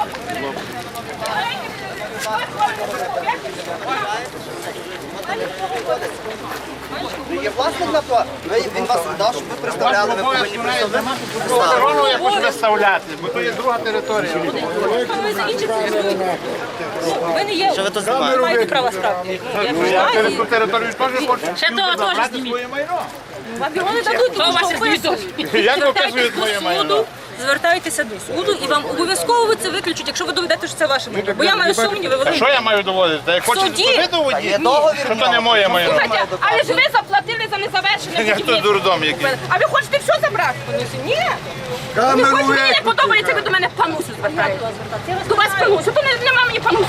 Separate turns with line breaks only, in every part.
Є власник на то, він вас дав, щоб ви представляли, ви повинні представляти.
Охорону я хочу виставляти, бо то є друга територія.
Ви не є, ви маєте право справді.
Я через ту територію теж хочу.
Ще того теж
Забрати
зніміть.
своє майно.
Вам його не дадуть, тому що ви
Як показують моє майно?
звертайтеся до суду і вам обов'язково це виключать, якщо ви доведете, що це ваше майно. Бо я маю сумніви,
А
великі.
що я маю доводити? Я хочу
Суді?
ви доводити,
Є договір.
що то не моє майно.
Слухайте, але ж ви заплатили за незавершене
Я хто
будівництво.
дурдом який.
А ви хочете все забрати? Ні. Ви хочете, мені не подобається, ви до мене панусу звертаєте. До вас панусу, то нема мені панусу.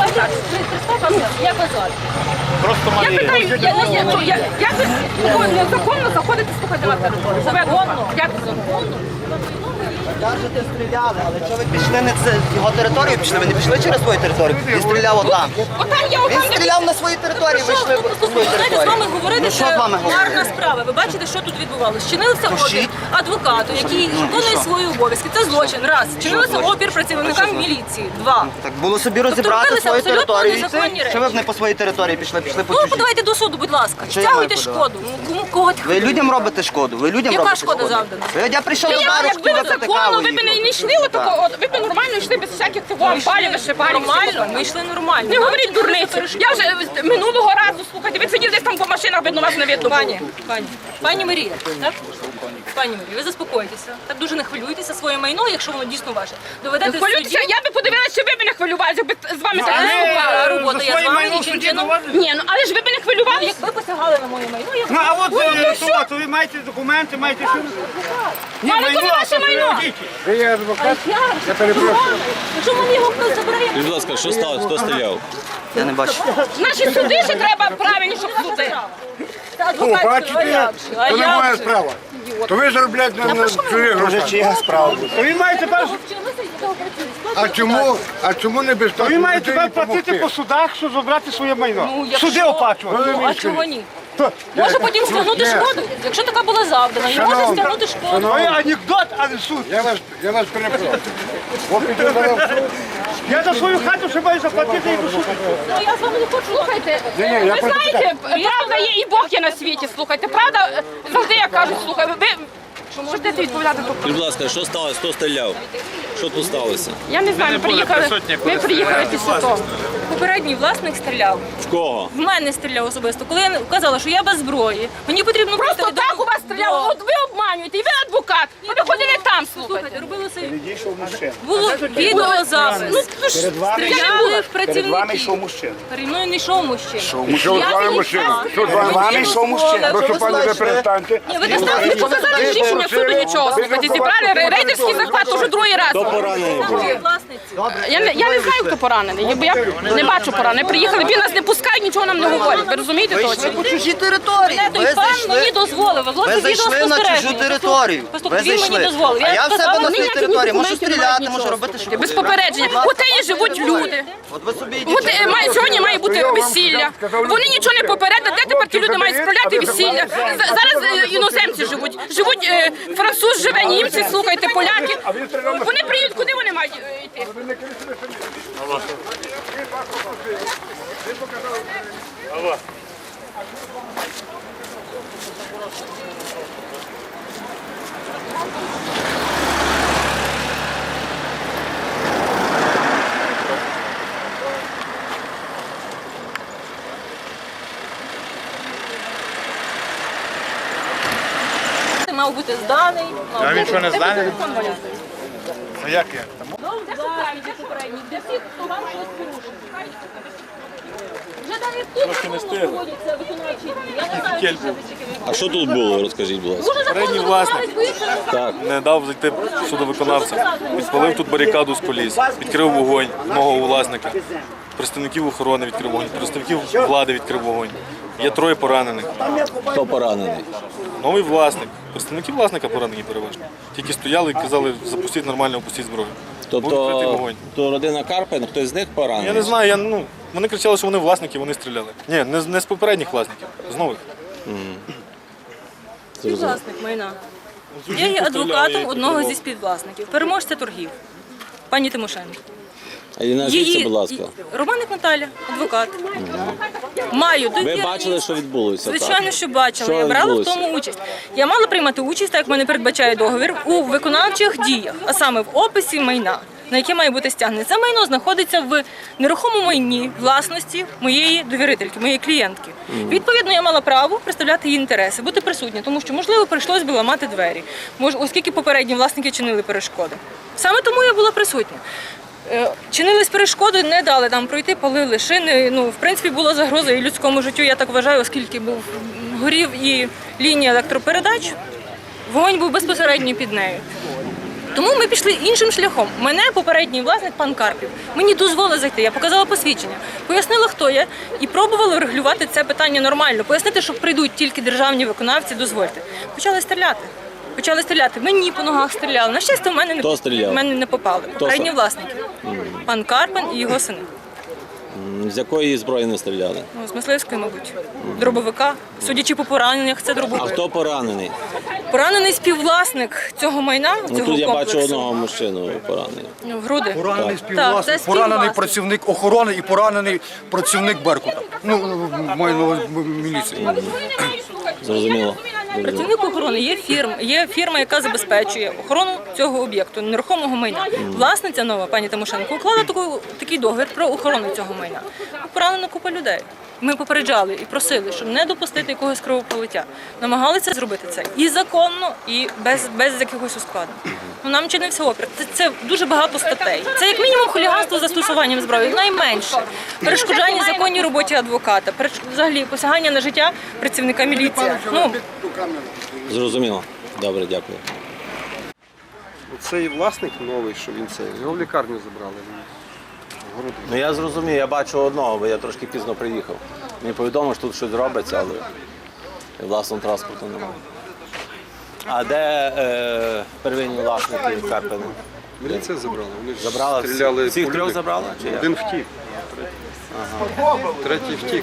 Як вас звати?
Просто
Я
Марія.
питаю, як ви незаконно заходите, слухайте, на територію? Законно? Як законно?
Кажете, стріляли, але що ви пішли не це його територію пішли? Ви не пішли через свою територію? Він стріляв отам.
Отам я,
Він
отам де...
стріляв на своїй території, ви йшли по свою
Знаєте, з вами
територію.
говорити,
Ну що
це
з вами
гарна
говорити?
справа. Ви бачите, що тут відбувалося. Чинився опір
Пишіть.
адвокату, який виконує
що?
свої обов'язки. Це злочин. Раз. Чинився опір працівникам міліції. Два.
Так було собі розібрати
робилися
свою
абсолютно
територію і
незаконні
йти. Що ви б не по своїй території пішли по
Ну,
чужій?
подавайте до суду, будь ласка.
що я
Стягуйте
маю
шкоду. Ну, кому кого
Ви людям робите шкоду, ви людям
Яка
робите
шкода
шкоду.
завдана?
Я прийшов до бару,
Якби
хотів
ви
випити
законно,
каву.
ви б не йшли отако, ви б нормально йшли без всяких цього амбалів, вишибалів.
Нормально, ми йшли нормально.
Не говоріть дурниці. Я вже минулого разу, слухайте, ви сиділи десь там по машинах, видно, вас не видно.
Пані Марія, так? Пані Марія, ви заспокойтеся. Так дуже не хвилюйтеся своє майно, якщо воно дійсно ваше. Доведете в суді.
Хвилюйтеся, я би подивилася, що ви б не хвилювалися, якби з вами так не
ви-
спілкувалися.
робота, я з
своє
вами
майно в
нічим
суді
чином.
доводите?
Ні, ну але ж ви б не хвилювалися.
Якби посягали на моє майно, я б...
Ну, а от то ви маєте документи, маєте що? Ні,
Але то не ваше
а
майно.
діти.
Я перепрошую. Якщо мені його хтось забере, я...
Будь ласка, що сталося? Хто стріляв?
Я не бачу.
Наші суди ще треба правильні, щоб суди.
Бачите, то не моя справа. То ви заробляєте на чужих грошах.
Чия справа?
То він має тепер,
А чому не без
то він має тепер платити по судах, щоб забрати своє майно. Суди оплачувати.
Ну, а чого ні? Може потім стягнути шкоду. Якщо така була завдана, і може стягнути шкоду.
Ну, анекдот, а не суд.
Я вас перепрошую. От піду зараз в суд.
Я за свою хату ще маю заплатити і до суду.
Ну, я з вами не хочу.
Слухайте, ви знаєте, правда є і Бог є на світі, слухайте. Правда, завжди я кажу, слухай, ви можете відповідати тут.
Будь ласка, що сталося? Хто стріляв? Що тут сталося?
Я не знаю, ми приїхали після того.
Попередній власник стріляв.
В кого?
В мене стріляв особисто. Коли я казала, що я без зброї, мені потрібно
Просто
просто
так у вас стріляли, от ви обманюєте, і ви адвокат. Ви ходили там,
Слухайте,
слухайте.
робилося. Було відеозапис.
Ну,
Стріляли в працівників.
мужчина.
Переді мною не йшов мужчина.
Що з вами мужчина? Що з вами? Прошу пані, ви перестаньте.
Ні, ви
Ви не показали рішення суду нічого, слухайте, зібрали рейдерський захват уже другий раз. Я не знаю, хто поранений, бо я не бачу поранених. Приїхали, він нас не пускають, нічого нам не говорять. Ви розумієте
Ви йшли
точно?
по чужій території.
Той
Ви
пан мені
зайшли.
дозволив.
Ви зайшли на чужу територію. Ви
Він мені
зайшли.
дозволив.
А я в себе на своїй
ніяких
території можу
документів
стріляти,
немає,
можу
нічого,
робити що
Без
хочу.
попередження.
Будь ласка,
Оте живуть люди.
От ви собі
От
йдіть.
сьогодні має бути весілля. Вони нічого не попередили. Де тепер ті люди мають справляти весілля? Зараз іноземці живуть. Живуть француз живе, німці, слухайте, поляки. Вони приїдуть, куди вони мають йти?
Мав бути зданий.
А він що, не зданий? Ну як я?
Де попередній? Для всіх, хто вам щось порушив. Вже навіть тут не проводяться виконавчі дії. Я не знаю, що
А що тут було? Розкажіть, будь ласка.
Передній власник не дав зайти судовиконавця. Підпалив тут барикаду з коліс, відкрив вогонь з мого власника. Представників охорони відкрив вогонь, представників влади відкрив вогонь. Є 3 поранених.
Хто поранений?
Новий власник. Представники власника поранені переважно. Тільки стояли і казали, запустіть нормально, опустіть зброю. Був відкритий
Тобто,
вогонь.
то родина Карпин, хтось з них поранений?
Я не знаю, вони кричали, що вони власники, вони стріляли. Ні, не з попередніх власників, з нових.
Співвласник майна. Я є адвокатом одного зі співвласників, переможця торгів, пані Тимошенко.
А і назвіться, будь ласка.
Романик Наталя, адвокат. Маю
Ви
довіру.
бачили, що відбулося? так?
Звичайно, що бачила.
Що
Я брала в
відбулося?
тому участь. Я мала приймати участь, так як мене передбачає договір, у виконавчих діях, а саме в описі майна, на яке має бути стягнене. Це майно знаходиться в нерухомому майні власності моєї довірительки, моєї клієнтки. Відповідно, я мала право представляти її інтереси, бути присутня, тому що, можливо, прийшлось би ламати двері, оскільки попередні власники чинили перешкоди. Саме тому я була присутня. Чинились перешкоди, не дали нам пройти, палили шини. В принципі, була загроза і людському життю, я так вважаю, оскільки горів і лінія електропередач, вогонь був безпосередньо під нею. Тому ми пішли іншим шляхом. Мене попередній власник, пан Карпів, мені дозволив зайти. Я показала посвідчення, пояснила, хто я, і пробувала регулювати це питання нормально. Пояснити, що прийдуть тільки державні виконавці, дозвольте. Почали стріляти. Мені по ногах стріляли. На щастя, в мене не попали. Попередні власники. Пан Карпин і його сини.
З якої зброї не стріляли?
З мисливської, мабуть. Дробовика. Судячи по пораненнях, це
А
дробовик.
хто поранений?
Поранений співвласник цього майна, цього
Тут
комплексу.
я бачу одного мужчину поранений.
В груди.
Поранений
Так, це
співвласник, поранений
співвласник.
працівник охорони і поранений працівник Беркута. Маю на увазі міліції.
Зрозуміло.
Працівник охорони є фірма, яка забезпечує охорону цього об'єкту, нерухомого майна. Власниця нова, пані Тимошенко, уклала такий договір про охорону цього майна. Поранена купа людей. Ми попереджали і просили, щоб не допустити якогось кровопролиття. Намагалися зробити це і законно, і без якихось ускладнень. Нам чинився опір. Це дуже багато статей. Це як мінімум хуліганство з застосуванням зброї, найменше. Перешкоджання законній роботі адвоката, взагалі посягання на життя працівника міліції.
Зрозуміло. Добре, дякую.
Цей власник новий, що він його в лікарню забрали.
Ну я зрозумів, я бачу одного, бо я трошки пізно приїхав. Мені повідомили, що тут щось робиться, але власного транспорту немає. А де первинні власники Карпина?
Міліція забрала. Вони ж
Забрала?
стріляли.
Всіх
по
трьох
людях.
забрала? Чи як?
Один втік. Третій втік.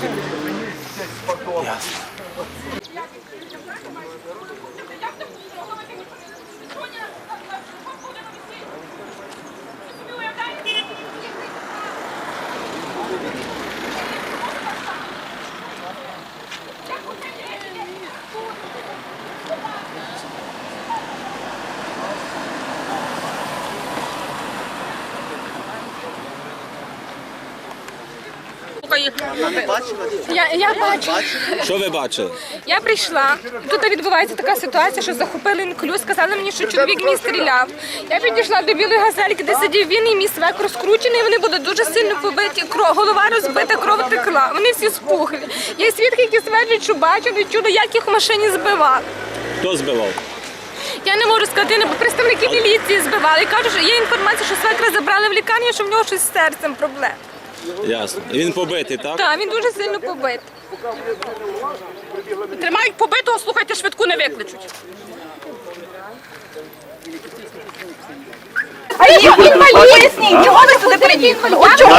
Я бачу.
Що ви бачили?
Я прийшла. Тут відбувається така ситуація, що захопили інклюз. Сказали мені, що чоловік мій стріляв. Я підійшла до білої газельки, де сидів він і мій свек розкручений. Вони були дуже сильно побиті. Голова розбита, кров текла. Вони всі спухлі. Є свідки, які стверджують, що бачили, чули, як їх в машині збивали.
Хто збивав?
Я не можу сказати, бо представники міліції збивали. Кажуть, що є інформація, що свекра забрали в лікарню, що в нього щось з серцем проблем.
Ясно. І він побитий, так?
Так, він дуже сильно побитий.
Тримають побитого, слухайте, швидку не викличуть.
А інвалідність! Чого ви сюди приїхали?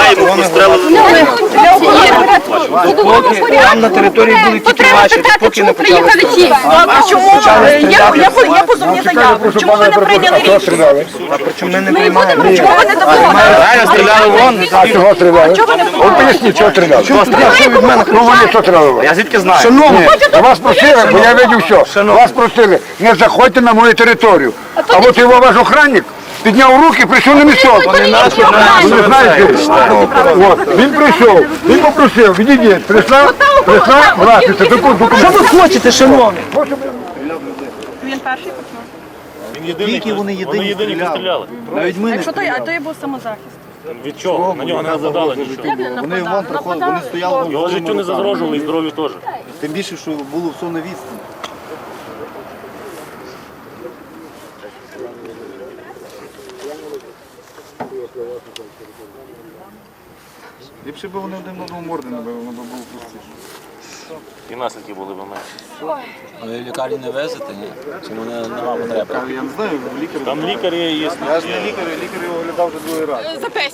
Там на території були тільки ваші, поки не почали стріляти.
А чому? Я позовні заяву. Чому ви не прийняли рішення?
А причому ми не приймаємо?
Чого ви не допомогли?
Реально стріляли вон.
А чого стріляли? От поясніть, чого стріляли. Ну вони що стріляли?
Я звідки знаю?
Шановні, вас просили, бо я видів все. Вас просили, не заходьте на мою територію. А от його ваш охранник підняв руки, прийшов на місцок.
Вони наші,
Ви не знаєте? От, він прийшов, він попросив, відійдіть, прийшла власниця, документи.
Що ви хочете, шановні?
Тільки вони єдині стріляли.
Навіть ми не
А то я був самозахист.
Від чого? На нього не нападали нічого.
Вони вон приходили, вони стояли.
Його життю не загрожували і здоров'ю теж.
Тим більше, що було все на відстані.
Ліпше б вони один одного морди набили, воно б було простіше.
І наслідки були б менше.
Ви в лікарню не везете, ні? Чому нема потреби?
Я не знаю, лікар.
Там лікарі є.
Я ж не лікар, лікар його оглядав вже другий раз.
Запесті.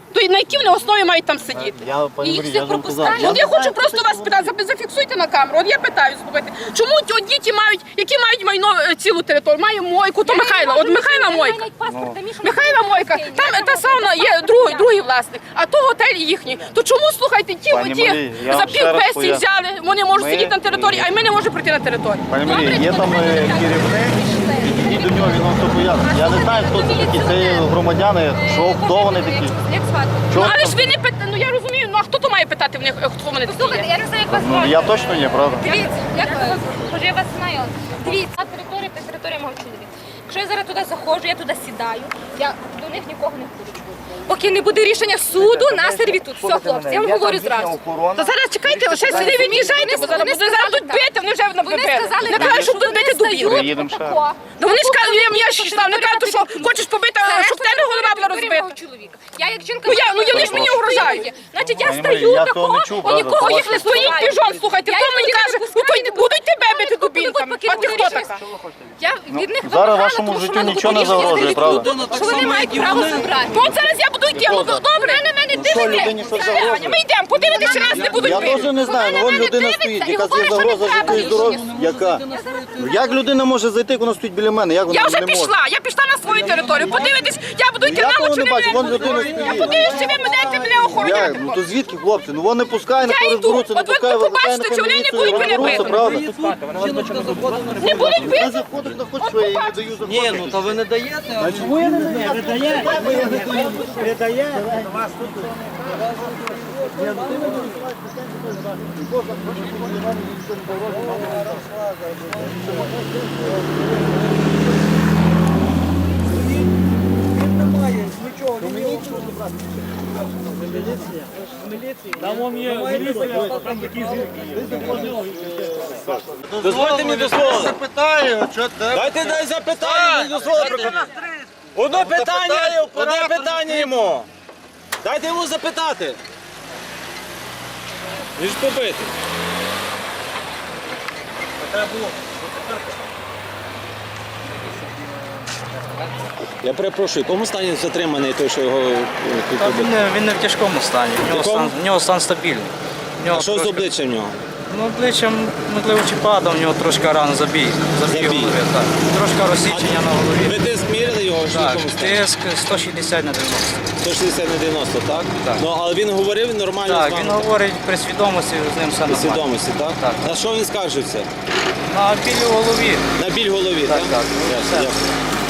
То на якій вони основі мають там сидіти?
І їх всіх пропускають.
От я хочу просто вас питати, зафіксуйте на камеру. От я питаю, слухайте, чому одні ті мають, які мають майно цілу територію? Має Мойку, то Михайла. От Михайла Мойка. Михайла Мойка, там та сауна є другий власник, а то готель їхній. То чому, слухайте, ті
Пані
оті
Марія, я
за
вам ще раз
півпенсії
поясню.
взяли, вони можуть
Ми-
сидіти на території, а ми не можемо прийти на територію.
Пані Марія, є там керівник, підійдіть до нього, він вам все пояснить. Я не знаю, хто це такі, це громадяни, що, хто вони такі.
Ну, але ж ви не питаєте, ну я розумію, ну а хто то має питати в них, хто вони такі є?
Я не знаю, як вас
Ну,
звати.
я точно ні, правда?
Дивіться, може я вас знаю. Дивіться, на території та територія мого чоловіка. Якщо я зараз туди заходжу, я туди сідаю, я до них нікого не впущу. Поки не буде рішення суду на сервітут. Все, хлопці, я вам говорю зразу.
Та зараз чекайте, ще сюди від'їжджайте, бо зараз будуть зараз тут бити, вони вже
Вони сказали,
не кажуть, що будуть бити дубів.
Приїдемо ще.
Да вони ж кажуть, я ж читав, не кажуть, що хочеш побити, щоб в тебе голова була розбита.
чоловіка. Я як жінка...
Ну вони ж мені угрожають.
Значить, я
Пані
стою
Марія, я
такого,
того не чув,
і
правда,
нікого
це
їх не
Стоїть
стоїть.
піжон, слухайте,
Я
хто
їх
мені
не
каже,
випускаю.
ну то будуть тебе бити дубінками. А ти хто така?
Я від них
Зараз
вимагала,
вашому
тому що
життю
в мене
нічого не
було рішення
загрожує,
сервітуту,
правда?
що вони мають право забрати.
Ну от зараз я буду йти, ну добре.
Ви на мене
що,
дивитесь.
людині щось загрожує?
Ми йдемо, подивитися, чи нас не будуть
Я
бити.
теж не знаю, ну вон людина стоїть, яка є загроза життю і здоров'ю. Яка? Ну, як людина може зайти, як вона стоїть біля мене? Як вона
Я вже
не може?
я пішла на свою територію. Подивитись, я буду йти
Я
на
того
очі.
не бачу, вон людина
Я
стоїть.
подивлюсь, чи ви мене
Як?
охороняти.
Ну то звідки, хлопці? Ну вон не пускає, не
Я йду.
розберуться, не
От ви
пускає,
побачите, чи вони не будуть мене
розберуться,
бити.
правда?
Не будуть
Ти
бити.
заходиш на хоч що, я їй не даю заходити.
Ні, ну то ви не даєте.
А чому я не даю?
Дозвольте мені дословити.
Запитаю, що ти?
Дай запитання, мені дословити. Одне питання йому. Дайте йому запитати. Він ж побитий. Я перепрошую, в якому стані затриманий той, що його тут побив?
Він не в тяжкому стані, в нього стан стабільний.
А що з обличчям в нього?
Ну, обличчям, можливо, чи падав, в нього трошки рано забій.
Забій.
Голови, так. Трошки розсічення на голові.
Ви тиск міряли його? Що в
Так,
якому стані?
тиск 160 на 90.
160 на 90, так?
Так.
Ну, але він говорив нормально з
Так,
вами?
він говорить при свідомості, з ним все
При
нормально.
свідомості, так?
Так.
На що він скаржився?
На білі в голові.
На біль в голові, так?
так.
Ясно,
Все.
дякую.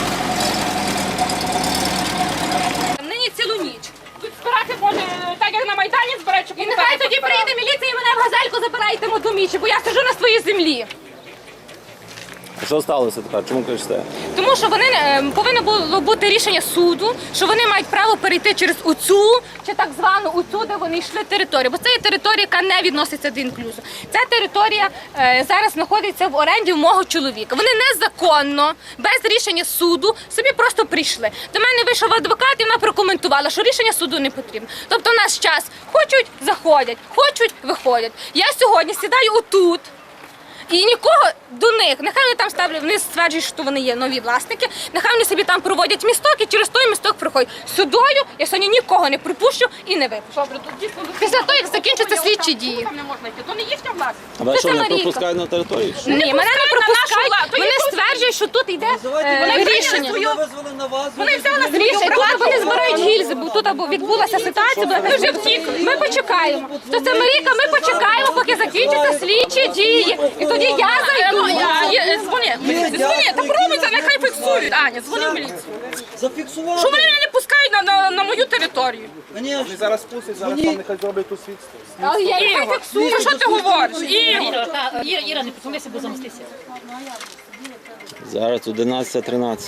Нині цілу ніч. Тут збирати може, так як на Майдані збирають, щоб
І нехай тоді прийде міліція і мене в газельку забирайте до мічі, бо я сиджу на своїй землі.
А що сталося тепер? Чому кричите?
Тому що вони повинно було бути рішення суду, що вони мають право перейти через оцю чи так звану оцю, де вони йшли територію. Бо це є територія, яка не відноситься до інклюзу. Ця територія зараз знаходиться в оренді в мого чоловіка. Вони незаконно, без рішення суду, собі просто прийшли. До мене вийшов адвокат і вона прокоментувала, що рішення суду не потрібно. Тобто в наш час хочуть – заходять, хочуть – виходять. Я сьогодні сідаю отут. І нікого до них, нехай вони там ставлять, вони стверджують, що вони є нові власники, нехай вони собі там проводять місток і через той місток проходять. Судою я сьогодні нікого не припущу і не випущу.
Добре, тут дійсно
Після того, як закінчаться слідчі дії.
Там не можна йти, то не їхня власність.
А вас
Це
що, не
Марійка.
пропускають на територію?
Ні, мене не
пускають на нашу
пропускають,
владу,
вони
їх
стверджують, що тут йде рішення.
Визвали на вас.
Вони взяли на
Рішення, тут вони збирають гільзи, бо тут або відбулася ситуація, ми вже втікли. Ми почекаємо. То це Марійка, ми почекаємо, поки закінчаться слідчі дії. І тоді я зайду.
Дзвони, дзвони, та пробуйте, нехай фіксують. Аня, дзвони в міліцію.
Зафіксували.
Що вони мене не пускають на мою територію?
Вони
Зараз спустять, зараз там нехай зроблять тут свідство.
Але я нехай
Ігор,
фіксую.
ну що ти говориш? Ігор.
Іра, не посунися, бо замостися.
Зараз 11:13.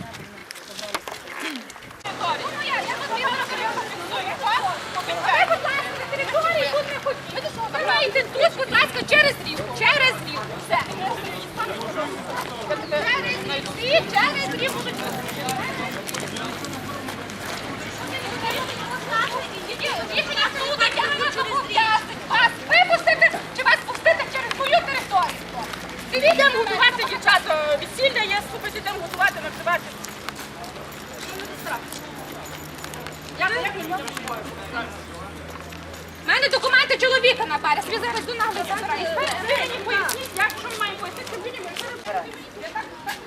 Ви маєте тут, будь ласка, через рівку. Через рівку. Все. Через рівку. Рішення суду, я не можу пов'язати. Вас випустити чи вас пустити через мою територію.
Йдемо готувати, дівчата, весілля, я слухайте, йдемо готувати, накривати.
У мене документи чоловіка на березі. Ви зараз до нас забираєте. Ви мені поясніть, як що ми маємо пояснити людям, якщо ви...